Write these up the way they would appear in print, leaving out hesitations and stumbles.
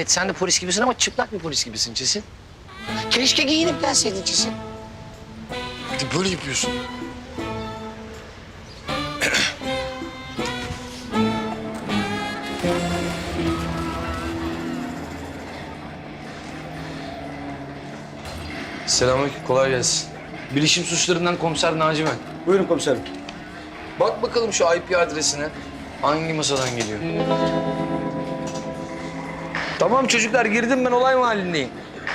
Evet sen de polis gibisin ama çıplak bir polis gibisin Çesin. Keşke giyinip gelseydin Çesin. Bir de böyle yapıyorsun. Selamünaleyküm, kolay gelsin. Bilişim suçlarından komiser Naci ben. Buyurun komiserim. Bak bakalım şu IP adresine. Hangi masadan geliyor? Tamam çocuklar, girdim ben, olay mahallindeyim.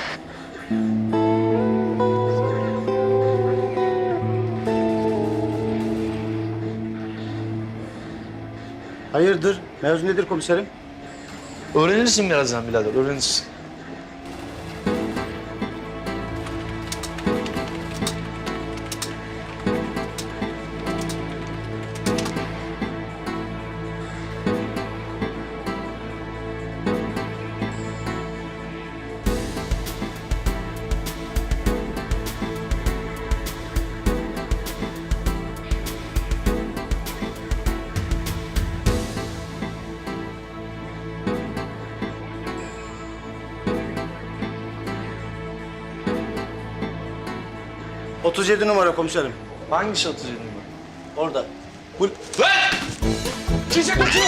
Hayırdır? Mevzu nedir komiserim? Öğrenirsin birazdan birader, öğrenirsin. — 37 numara komiserim. Hangisi 37 numara? Orada. Çiçek uçuyor!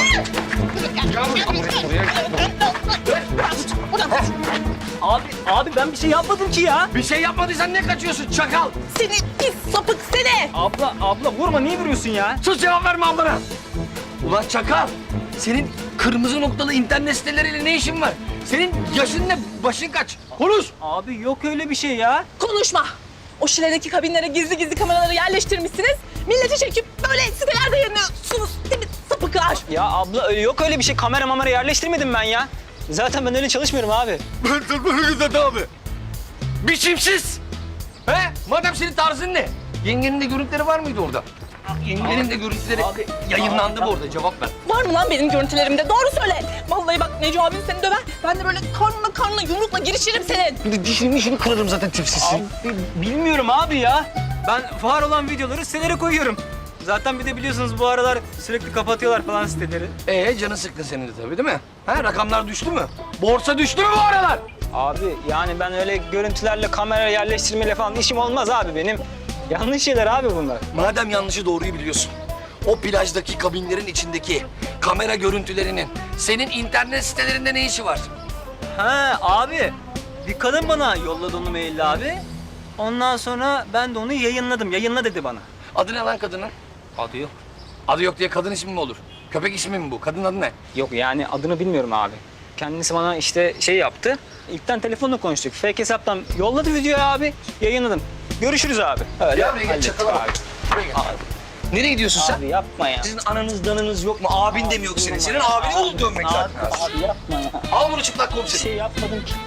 Abi ben bir şey yapmadım ki ya. Bir şey yapmadıysan ne kaçıyorsun çakal? Seni pis sapık seni! Abla vurma, niye vuruyorsun ya? Sus, cevap verme ablana! Ulan çakal! Senin kırmızı noktalı internet siteleriyle ne işin var? Senin yaşın ne, başın kaç? Konuş! Abi yok öyle bir şey ya. Konuşma! O şiledeki kabinlere gizli gizli kameraları yerleştirmişsiniz. Milleti çekip böyle sitelerde yayınlıyorsunuz değil mi sapıklar? Ya abla öyle yok öyle bir şey. Kamera yerleştirmedim ben ya. Zaten ben öyle çalışmıyorum abi. abi. Biçimsiz! He? Madem senin tarzın ne? Yengenin de görüntüleri var mıydı orada? Yengenin de görüntüleri yayınlandı mı orada? Cevap ver. Var mı lan benim görüntülerimde? Doğru söyle. Vallahi bak Neco abin seni döver. Ben de böyle karnına yumrukla girişirim senin. Bir de dişini kırarım zaten tipsizsin. Abi, bilmiyorum abi ya. Ben var olan videoları sitelere koyuyorum. Zaten bir de biliyorsunuz bu aralar sürekli kapatıyorlar falan siteleri. Canı sıktı senin de tabii değil mi? Ha, rakamlar düştü mü? Borsa düştü mü bu aralar? Abi yani ben öyle görüntülerle kamera yerleştirmeyle falan işim olmaz abi benim. Yanlış şeyler abi bunlar. Madem yanlışı doğruyu biliyorsun, o plajdaki kabinlerin içindeki kamera görüntülerinin senin internet sitelerinde ne işi var? Ha abi, bir kadın bana yolladı onu maille abi. Ondan sonra ben de onu yayınladım. Yayınla dedi bana. Adı ne lan kadının? Adı yok. Adı yok diye kadın ismi mi olur? Köpek ismi mi bu? Kadın adı ne? Yok yani adını bilmiyorum abi. Kendisi bana işte şey yaptı. İlkten telefonla konuştuk. Fake hesaptan yolladı videoyu abi. Yayınladım. Görüşürüz abi. Öyle. Gel buraya gel, hallettik çakala bak. abi. Buraya gel. Nereye gidiyorsun sen? Abi yapma ya. Sizin ananız danınız yok mu? Abin de mi yok senin? Senin abini olup dönmek zaten. Abi yapma ya. Al bunu çıplak Bir komiserim. şey yapmadım ki.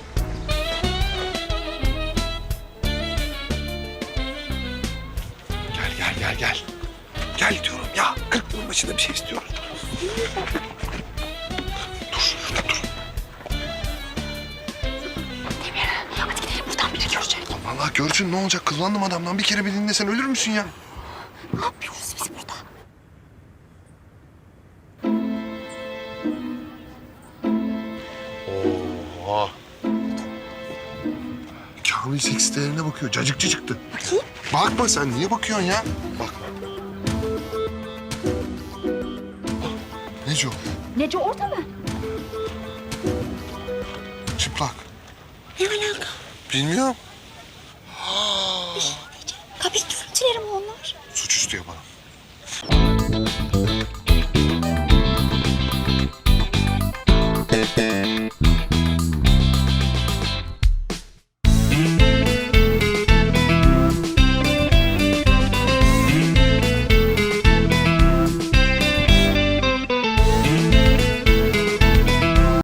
Gel. Gel diyorum ya. 40 yılın başında bir şey istiyoruz. Dur şurada dur. Hadi gidelim buradan biri görecek. Vallahi görsün ne olacak? Kıllandım adamdan. Bir kere bir dinlesen ölür müsün ya? Ne yapıyoruz biz burada? Oha. Kamil seks sitelerine bakıyor. Cacıkçı çıktı. Bakayım. Bakma sen. Niye bakıyorsun ya? Bak. Neco? Neco orada mı? Çıplak. Ne alaka? Bilmiyorum. Kapıyı